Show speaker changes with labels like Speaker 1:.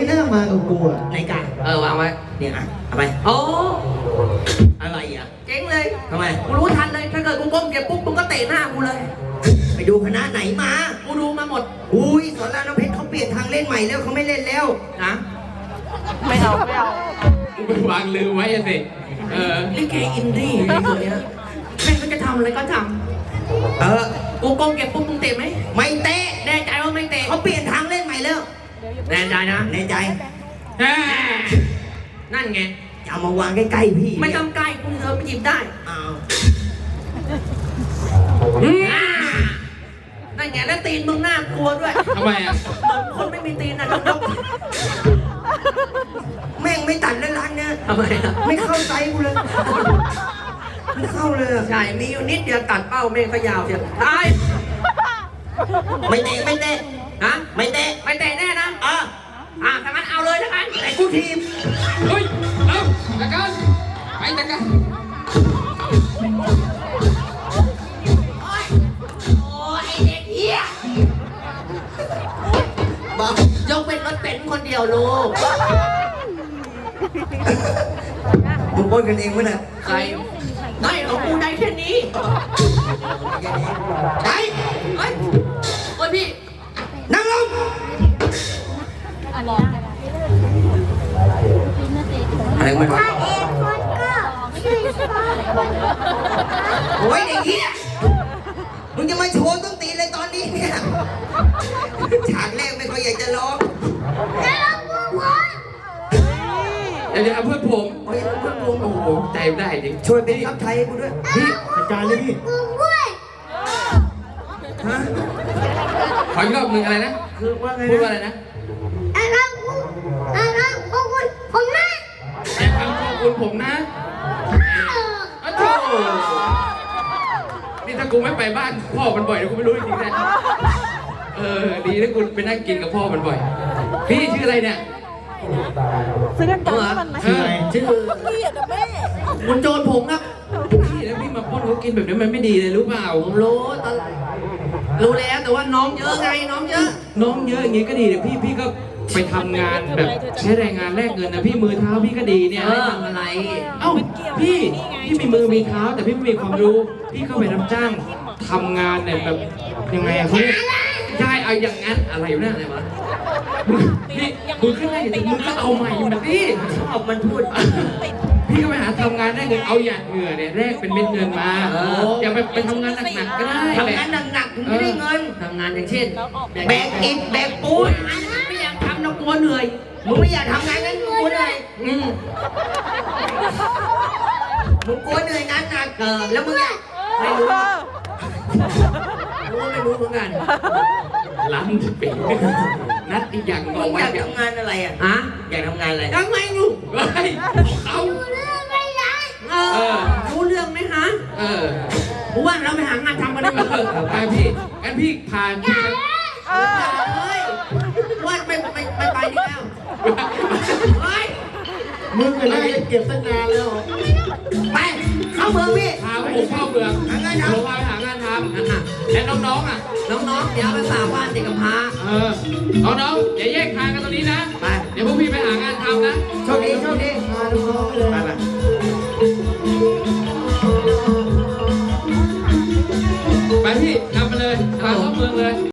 Speaker 1: หน้ามากับกูอะ
Speaker 2: ในกะ
Speaker 3: วางไว้
Speaker 2: เนี่ยอ่ะเอาไป
Speaker 3: โอ้
Speaker 2: อะไรอ่ะ
Speaker 3: เจ๊งเลย
Speaker 2: ทำไม
Speaker 3: กูรู้ทันเลยถ้าเกิดกูก้มเก็บปุ๊บมึงก็เตะหน้ากูเลย
Speaker 2: ไปดูคณะไหนมา
Speaker 3: กูดูมาหมด
Speaker 2: อุ้ยสอนรามน้ำเพชรเขาเปลี่ยนทางเล่นใหม่แล้วเขาไม่เล่นแล้ว
Speaker 3: นะ
Speaker 4: กูไปวางลืมไว้อะสิ
Speaker 3: ลิเกอินดี้ไอ้ตัวเนี้ยแม่งก็จะทำอะไรก็ท
Speaker 2: เออ
Speaker 3: ำกูก้มเก็บปุ๊บมึงเตะไหม
Speaker 2: ไม่เตะ
Speaker 3: แน่ใจว่าไม่เตะ
Speaker 2: เขาเปลี่ยนทางเล่นใหม่แล้ว
Speaker 3: แน่ใจนะ
Speaker 2: ในใจ
Speaker 3: นั่นไง
Speaker 2: จะเอามาวางใกล้ๆพี่
Speaker 3: ไม่ต้องใกล้กูเธอไปหยิบได้
Speaker 2: อ้าว
Speaker 3: นั่นไงแล้วตีนมึงน่ากลัวด้วย
Speaker 4: ทำไมอ่ะ
Speaker 3: เหมือนคนไม่มีตีนนะน้อง
Speaker 2: แม่งไม่ตัดเลยร้านเนี่ย
Speaker 3: ๆทำไมอ่ะ
Speaker 2: ไม่เข้าใจกูเลยไม่เข้าเลยอะ
Speaker 3: ใช่มีอยู่นิดเดียวตัดเป้าเมฆก็ยาวเชียวตาย
Speaker 2: ไม่เตะไม่เตะ
Speaker 3: ฮะ
Speaker 2: ไม่เตะ
Speaker 3: ไม่เตะแน่นะ ถ้างั้นเอาเลยถ้างั้น
Speaker 2: แต่กูทีม
Speaker 4: เฮ้ย เอาจัดการไปจัดการ
Speaker 3: โอ้ยไอ้เด็กเหี้ย
Speaker 2: บอก
Speaker 3: ยกเป็นรถเป็นคนเดียวลูก
Speaker 2: มึงปล้นกันเองมั้ยเนี่ย
Speaker 3: ใครไม่ของกูได้แค่นี้
Speaker 2: ไป
Speaker 3: เฮ้ยโอ้ยพี่
Speaker 2: นั่งลงอะไรมันวะโอ้ยเด็กเหี้ยมึงจะมาโชว์ต้องตีเลยตอนนี้เนี่ยฉากแรกไม่ค่อยอยากจะร้อง
Speaker 4: เดี๋ยวเอาเพื่อนผม
Speaker 2: โอ้ยเพื่อนผม
Speaker 4: โอ้โหใจได้จริง
Speaker 2: ช่วยเป็นทัพไทยให้กูด้วย
Speaker 1: พี่จัดการเลยพี่
Speaker 2: ฮะ
Speaker 4: ขออีกรอบหนึ่งอะไรนะ
Speaker 2: คือว่าไง
Speaker 4: พูดว่า
Speaker 2: นะ
Speaker 4: อะไรนะแต่คำขอบคุณผมนะอ้าวโธ่นี่ถ้ากูไม่ไปบ้านพ่อมันบ่อยเดี๋ยวกูไม่รู้จริงๆนะดีนะกูไปนั่งกินกับพ่อมันบ่อย พี่ชื่ออะไรเนี่ย
Speaker 5: ซื้อกันก่อนให้มันไหม
Speaker 1: ชื่ออะไร
Speaker 3: ชื่อ
Speaker 5: พี่อะกับแม่
Speaker 3: คุณโจรผมครับ
Speaker 4: พี่แล้วพี่มาป้อนเขากินแบบนี้มันไม่ดีเลยรู้เปล่า
Speaker 3: ผมรู้ตอนรู้แล้วแต่ว่าน้องเยอะไงน้องเยอะ
Speaker 4: น้องเยอะอย่างงี้ก็ดีเดี๋ยวพี่ก็ไปทำงานแบบใช้แรงงานแลกเงินนะพี่มือเท้าพี่ก็ดีเนี่ย
Speaker 3: ทำอะไร
Speaker 4: เอ้าพี่มีมือมีเท้าแต่พี่ไม่มีความรู้ พี่ก็ไปรับจ้างทำงานเนี่ยแบบยังไงอะเขาเรียกใช่เอาอย่างนั้นอะไรอยู่เนี่ยอะไรวะพี่มือขึ้นได้อย่างมือก็เอาใหม่นะพี่
Speaker 3: ชอบมันพูด
Speaker 4: พี่ก็ไปหาทำงานได้เงินเอาหยาดเหงื่อเนี่ยแลกเป็นเม็ดเงินมาอย่าไปทำงานหนักๆก็ได้
Speaker 2: ทำงานหนักๆถึงจะได้เงิน
Speaker 3: ทำงานอย่างเช่น
Speaker 2: แบกอิฐแบกปูน
Speaker 3: ไม่อยากทำนะกลัวเหนื่อย
Speaker 2: มึงไม่อยากทำงานงั้นมึงกลัวเหนื่อย
Speaker 3: อืม
Speaker 2: มึงกลัวเหนื่อยงานหนักแล้วมึงอ่ะ
Speaker 3: ไม่รู้ไม่รู้เหมือนกัน
Speaker 4: ล้ำจะเป็นนัดอีกอย่าง
Speaker 2: มึ
Speaker 4: บอก
Speaker 2: ง
Speaker 4: ไว้
Speaker 2: อยาก
Speaker 4: เดี๋ยว
Speaker 2: ทำงานอะไรอ่ะ
Speaker 3: ฮะ
Speaker 2: อยากทำงานอะไร
Speaker 3: ยังไงลูก
Speaker 4: เฮ้ยเอา
Speaker 3: รู้เรื่องไหมฮะ
Speaker 4: เออ
Speaker 3: ผมว่าเราไปหางานทำกันได้ไหม
Speaker 4: ไปพี่งั้นพี่พาพี่ไป
Speaker 3: เฮ้ยว่าไม่ไปดีแล้วเฮ้ย
Speaker 1: มึงอะไรเก็บตั้งนานแล้ว
Speaker 2: ไปเข้าเมืองพี่
Speaker 4: พาผมเข้าเมือง
Speaker 2: หางานทำ
Speaker 4: ผมพาไปหางานทำนั่นน่ะแล้วน้องๆอ่ะ
Speaker 3: น้องๆเดี๋ยวไปฝากบ้านเด็กกำพร้า
Speaker 4: น้องๆอย่าแยกทางกันตรงนี้นะ
Speaker 3: ไป
Speaker 4: เดี๋ยวพวกพี่ไปหางานทำนะ
Speaker 2: โชคดีโชคดี
Speaker 1: พาลูกน้องไปเลย
Speaker 2: ไปไป
Speaker 4: ไปพี่นำไปเลยพาเข้าเมืองเลย